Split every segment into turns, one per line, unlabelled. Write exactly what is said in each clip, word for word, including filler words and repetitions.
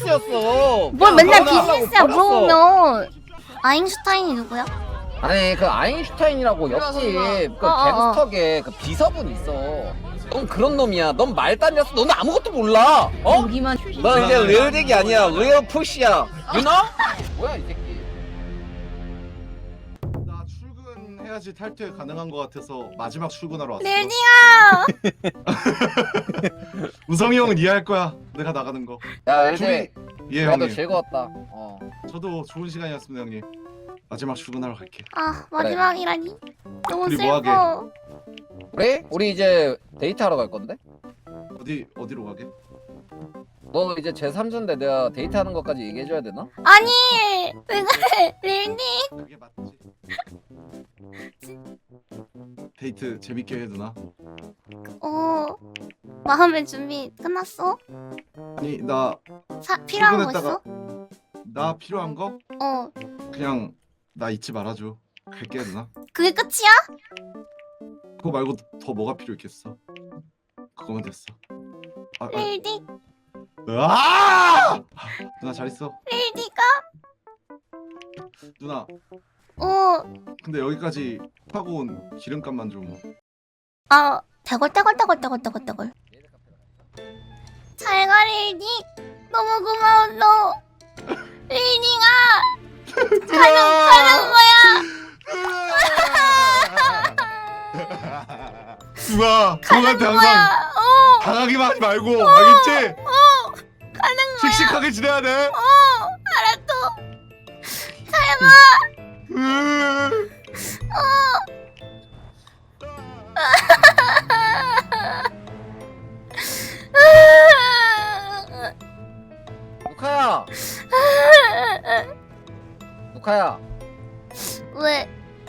비즈니스였어.
뭘 맨날
결혼하려고
비즈니스야
버렸어.
물어보면. 아인슈타인이 누구야?
아니 그 아인슈타인이라고 옆집 그
어, 어, 어.
갱스터계 그 비서분 있어. 넌 그런 놈이야. 넌 말단이었어. 너는 아무것도 몰라. 어?
여기만.
넌 이제 리얼딕이 아니야. 리얼 푸시야. You know? 뭐야 이 새끼.
나 출근해야지 탈퇴 가능한 것 같아서 마지막 출근하러 왔어.
릴딩아.
우성이 형은 이해할 거야. 내가 나가는 거.
야
둘이
이제
예
그래도
형님.
즐거웠다. 어.
저도 좋은 시간이었습니다 형님. 마지막 출근하러 갈게.
아 마지막이라니. 너무
우리 뭐
슬퍼.
우리 우리 이제 데이트하러 갈 건데?
어디 어디로 가게?
너 이제 제삼자인데 내가 데이트하는 것까지 얘기해줘야 되나?
아니 왜 그래 릴딩.
그게 맞지. 데이트 재밌게 해 누나.
어 마음의 준비 끝났어?
아니 나
사 필요한 거
출근했다가-
있어?
나 필요한 거
어
그냥 나 잊지 말아줘. 갈게 누나.
그게 끝이야?
그거 말고 더 뭐가 필요 있겠어? 그거면 됐어. 아, 아,
릴딩
아! 누나 잘 있어.
릴딩아.
누나
어
근데 여기까지 타고 온 기름값만 좀.
아 대걸대걸대걸대걸대걸대걸. 잘가 릴딩. 너무 고마워 너. 릴딩아 가는 가는 거야.
누나 형한테
가는
항상
거야. 어
당하기만 하지 말고 알겠지?
어, 가는 거야.
씩씩하게 지내야 돼.
어 알았어. 잘가.
으.
루카야. 루카야.
왜?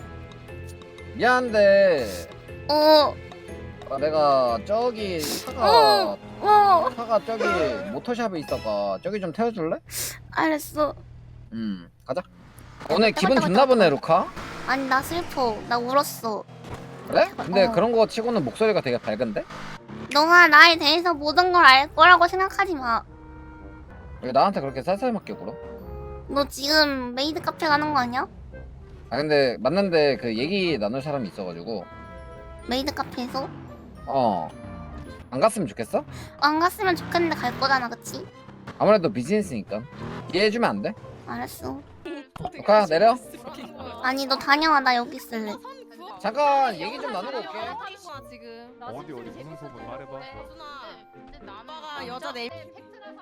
미안한데
어
아, 내가 저기 차가
어.
차가 저기 모터샵에 있어가 저기 좀 태워줄래?
알았어.
음 가자. 오늘 기분 좋나 보네 루카.
아니 나 슬퍼. 나 울었어.
그래? 근데
어.
그런 거 치고는 목소리가 되게 밝은데?
너가 나에 대해서 모든 걸 알 거라고 생각하지 마.
왜 나한테 그렇게 쌀쌀맞게 굴어?
너 지금 메이드 카페 가는 거 아니야?
아 근데 맞는데 그 얘기 나눌 사람이 있어가지고
메이드 카페에서?
어 안 갔으면 좋겠어?
안 갔으면 좋겠는데 갈 거잖아, 그치?
아무래도 비즈니스니까 이해해주면 안 돼?
알았어.
루카 내려.
아니 너 다녀와. 나 여기 있을래.
잠깐 얘기 좀 나누고 올게.
지금
어디 어디 무슨 소문 말해봐.
오빠가 여자 네
아니 팩트긴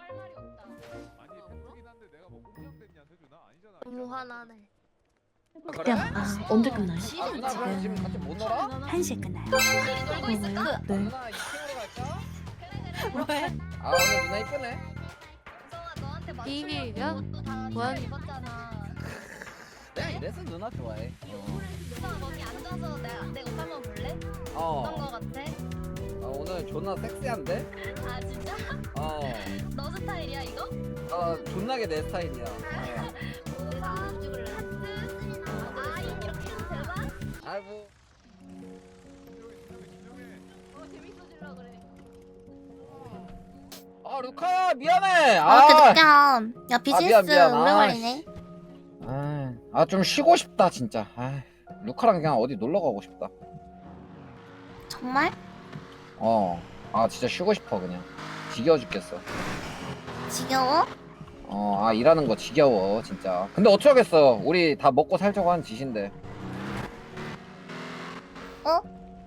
한데 내가 뭐 꼼짝됐냐 세준아 아니잖아.
너무 화나네.
그래?
아, 언제 끝나요?
아 누나 그럼 지금 같이 못 놀아?
한 시에 끝나요.
아,
네.
누나 이 팀으로 갈까? 왜? 아 오늘 누나 이쁘네.
비밀이야? 뭐야?
내가 이래서 누나 좋아해.
거기 앉아서 내가 내가 옷 한번 볼래?
어.
어떤 거 같아?
어, 오늘 존나 섹시한데?
아 진짜?
어.
너 스타일이야 이거?
어 존나게 내 스타일이야. 어.
우리 사진 찍을래? 아 이렇게 대박?
아이고.
어 재밌어질라 그래.
아 루카야 미안해.
아, 이렇게
아.
늦게 함. 야 비즈니스
미안, 미안.
오래
아,
걸리네.
아 좀 쉬고 싶다 진짜. 아, 루카랑 그냥 어디 놀러 가고 싶다.
정말?
어. 아 진짜 쉬고 싶어 그냥. 지겨워 죽겠어.
지겨워?
어, 아 일하는 거 지겨워 진짜. 근데 어쩌겠어. 우리 다 먹고 살자고 한 짓인데.
어?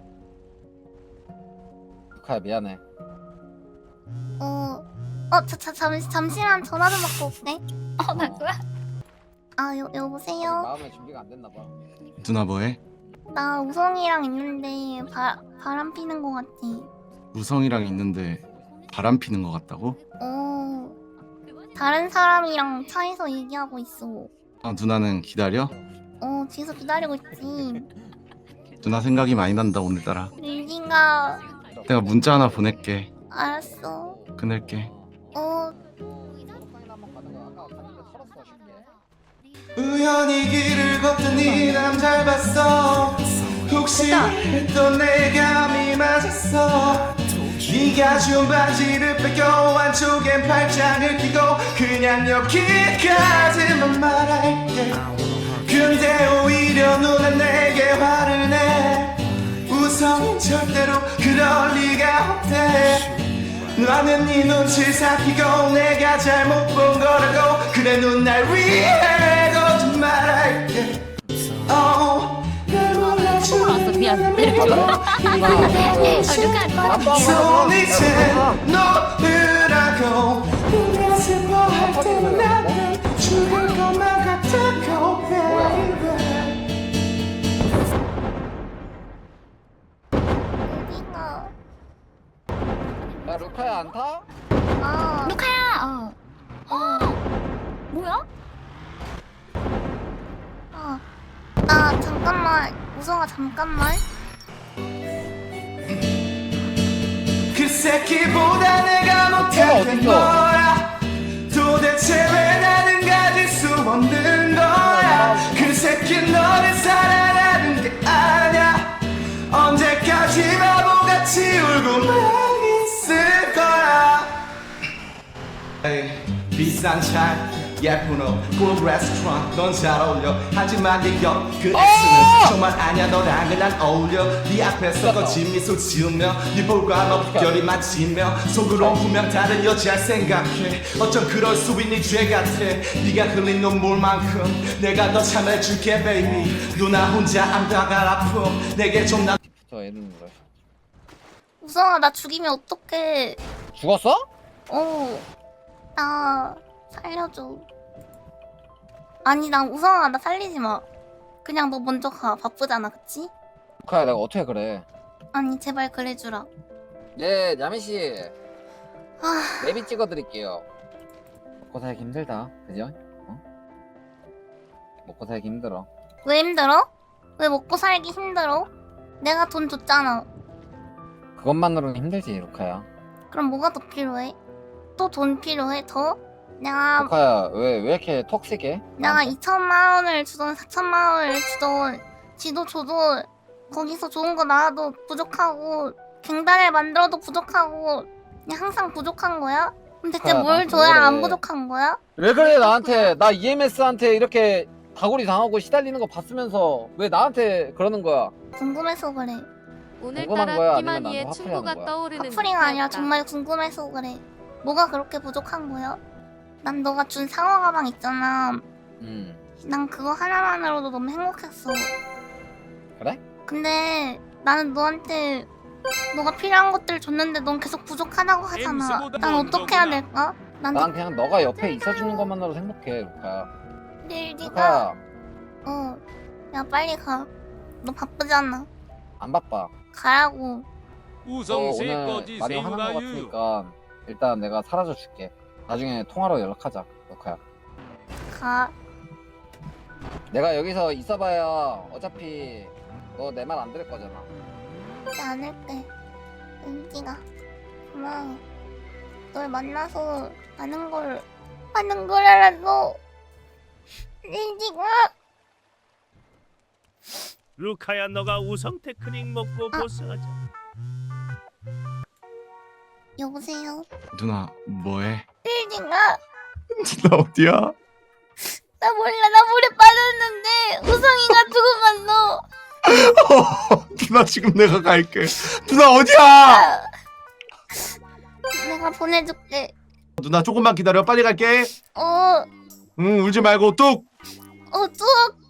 루카야 미안해.
어. 어, 자, 자, 잠시, 잠시만 전화 좀 받고 올게.
어 나도야?
아, 여, 여보세요?
마음의 준비가 안 됐나 봐.
누나 뭐해?
나 우성이랑 있는데 바, 바람 피는 거 같아.
우성이랑 있는데 바람 피는 것 같다고?
어. 다른 사람이랑 차에서 얘기하고 있어.
아 누나는 기다려?
어, 뒤에서 기다리고 있지.
누나 생각이 많이 난다 오늘따라.
릴딩아,
내가 문자 하나 보낼게.
알았어.
끊을게.
어,
우연히 길을 걷더니 남 잘 봤어 혹시 또 내가 미맞았어 네가 준 바지를 뺏겨 안쪽엔 팔짱을 끼고 그냥 그냥 여기까지만 말할게. 근데 오히려 누나 내게 화를 내. 우성은 절대로 그럴 리가 없대. 나는 네 눈치 살피고 내가 잘못 본 거라고. 그래 눈 날 위해 거짓말할게. Oh, 날 몰라주는
미안.
손 이제 놓으라고. 내가 슬퍼할 때는 나는 죽을 것만 같다고 baby.
여기가.
야 루카야 안 타?
어.
루카야. 어. 뭐야?
어. 나 잠깐만. 우성아 잠깐만.
그 새끼보다 내가 못한 게 뭐야. 도대체 왜 나는 가질 수 없는 거야. 그 새끼 너를 사랑하는 게 아냐. 언제까지 바보같이 울고만 있을 거야. 에이, 비싼 차 예쁜 옷 꿀 레스토랑 넌 잘 어울려. 하지만 네옆그 X는 정말 아냐. 너랑은 안 어울려. 네 앞에서 거친 미소 지으며 네 볼과 넋결이 맞으며 속으론 분명 다른 여자를 생각해. 어쩜 그럴 수 있니 죄 같아. 네가 흘린 눈물만큼 내가 더 참아줄게 baby. 누나 혼자 안다갈 아픔 내게 좀 나.
저 얘는 그래.
우성아 나 죽이면 어떡해.
죽었어?
어. 나 살려줘. 아니 나 우성아 나 살리지 마. 그냥 너 먼저 가. 바쁘잖아 그치?
루카야 내가 어떻게 그래?
아니 제발 그래주라.
네 야미씨
아
내비 찍어드릴게요. 먹고 살기 힘들다 그죠? 어? 먹고 살기 힘들어.
왜 힘들어? 왜 먹고 살기 힘들어? 내가 돈 줬잖아.
그것만으로는 힘들지 루카야.
그럼 뭐가 더 필요해? 또 돈 필요해 더? 내가
루카야 왜 왜 이렇게 톡식해?
내가
나한테?
이천만 원을 주던 사천만 원을 주던 지도 줘도 거기서 좋은 거 나와도 부족하고 갱단을 만들어도 부족하고 그냥 항상 부족한 거야? 그럼 대체
그래,
뭘
나한테
줘야
왜
안
그래.
부족한 거야?
왜 그래 나한테. 나 이엠에스한테 이렇게 다구리 당하고 시달리는 거 봤으면서 왜 나한테 그러는 거야?
궁금해서 그래.
궁금한 거야?
오늘따라
아니면
키마니의
나도
친구가
화풀이하는 거야?
떠오르는
커플이가 아니라
듯하였다.
정말 궁금해서 그래. 뭐가 그렇게 부족한 거야? 난 너가 준 상어 가방 있잖아.
음
난 그거 하나만으로도 너무 행복했어.
그래?
근데 나는 너한테 너가 필요한 것들 줬는데 넌 계속 부족하다고 하잖아. 난 어떻게 해야 될까? 난
난 그냥 너가 옆에 있어주는 것만으로 행복해 루카야.
내일 네가
루카야
어, 야 빨리 가. 너 바쁘잖아.
안 바빠.
가라고.
너 오늘 많이 화난 거 같으니까 일단 내가 사라져 줄게. 나중에 통화로 연락하자 루카야.
가.
내가 여기서 있어봐야 어차피 너 내 말 안 들을 거잖아.
하지 않을게. 은지가 고마워. 널 만나서 많은 걸 많은 걸 알았어. 은지가
루카야 너가 우성 테크닉 먹고
아.
보스하자.
여보세요.
누나 뭐해?
은지가
나 어디야?
나 몰라. 나 물에 빠졌는데 우성이가 죽어갔어.
누나 지금 내가 갈게. 누나 어디야?
내가 보내줄게.
누나 조금만 기다려. 빨리 갈게.
어,
응 울지 말고 뚝.
어, 쭉.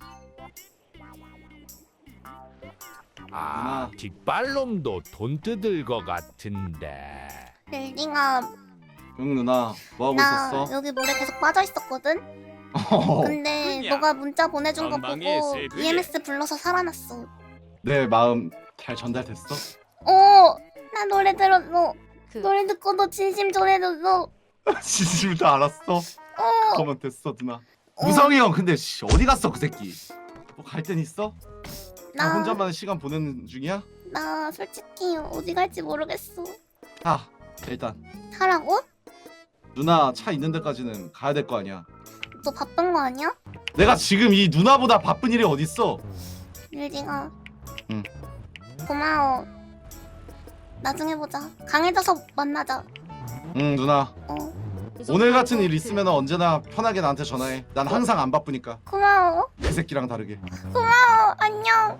아 뒷발놈도 돈 뜯을 것 같은데.
빌딩아,
응 누나 뭐 하고
나
있었어?
여기 물에 계속 빠져 있었거든. 근데
그냥
너가 문자 보내준 거
전망의
보고
세계에.
이엠에스 불러서 살아났어.
내 마음 잘 전달됐어?
어, 나 노래 들었어.
그
노래 듣고 너 진심 전해줬어.
진심을 다 알았어.
어,
그거만 됐어 누나. 우성이 형 근데 씨, 어디 갔어 그 새끼? 뭐 갈 땐 있어? 나
나,
혼자만 시간 보내는 중이야?
나 솔직히 어디 갈지 모르겠어.
아 일단
하라고?
누나 차 있는 데까지는 가야 될 거 아니야.
너 바쁜 거 아니야?
내가 지금 이 누나보다 바쁜 일이 어딨어?
빌딩아.
응.
고마워. 나중에 보자. 강해져서 만나자.
응 누나.
어.
오늘 같은 일 있으면 언제나 편하게 나한테 전화해. 난 항상 안 바쁘니까.
고마워.
그 새끼랑 다르게.
고마워. 안녕.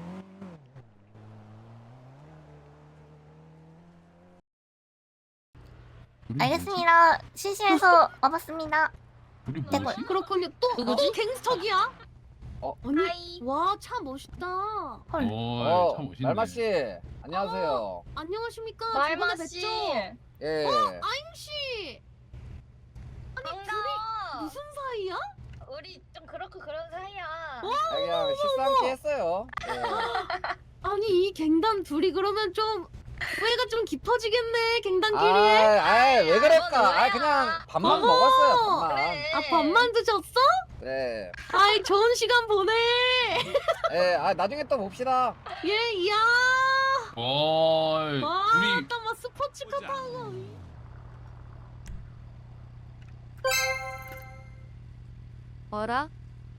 알겠습니다. 실시해서 와봤습니다. 대골.
그렇군요. 또, 또 갱스터기야?
어?
언니, 와, 차 멋있다.
헐.
어, 말마 씨, 안녕하세요.
안녕하십니까?
말마
저번에
씨.
뵀죠?
예.
아잉씨! 아니, 둘이
반가워.
무슨 사이야?
우리 좀 그렇고 그런 사이야.
아, 그냥 식사 함께 했어요. 예.
아니, 이 갱단 둘이 그러면 좀 후회가 좀 깊어지겠네, 갱단끼리.
아, 아, 왜 그럴까?
뭐야?
아, 그냥 밥만
어머.
먹었어요. 밥만.
그래.
아, 밥만 드셨어?
네.
아이, 좋은 시간 보내.
예, 아, 나중에 또 봅시다.
예, 이야.
어이,
와,
둘이
또 막 스포츠카 타고.
뭐라?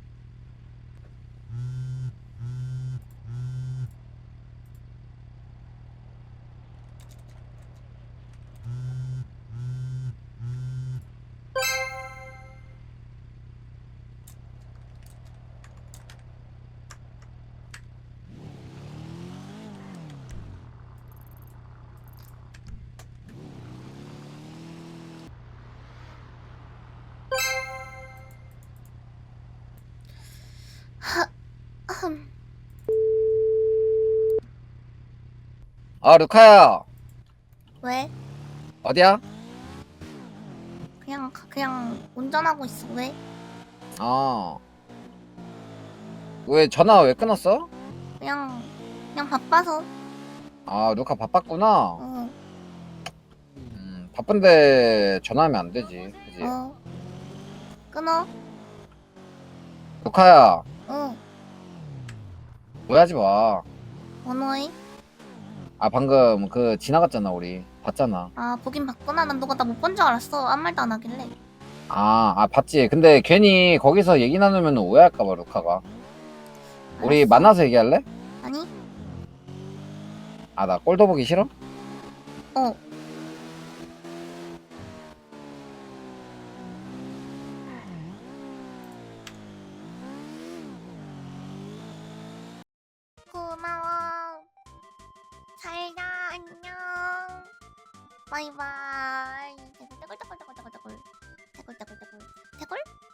아, 루카야.
왜?
어디야?
그냥 그냥 운전하고 있어. 왜?
어. 왜 전화 왜 끊었어?
그냥 그냥 바빠서.
아, 루카 바빴구나.
어.
음, 바쁜데 전화하면 안 되지. 그지?
어. 끊어.
루카야,
어.
오해하지 마.
번호해.
아, 방금 그 지나갔잖아, 우리. 봤잖아.
아 보긴 봤구나. 난 너가 나 못 본 줄 알았어. 아무 말도 안 하길래.
아, 아, 봤지. 근데 괜히 거기서 얘기 나누면 오해할까봐, 루카가. 우리
알았어.
만나서 얘기할래?
아니?
아, 나 꼴도 보기 싫어?
어. 고마워. 잘가. 안녕. 바이바이. 대굴 대굴 대굴 대굴 대굴 대굴 대굴 대굴 대굴 대굴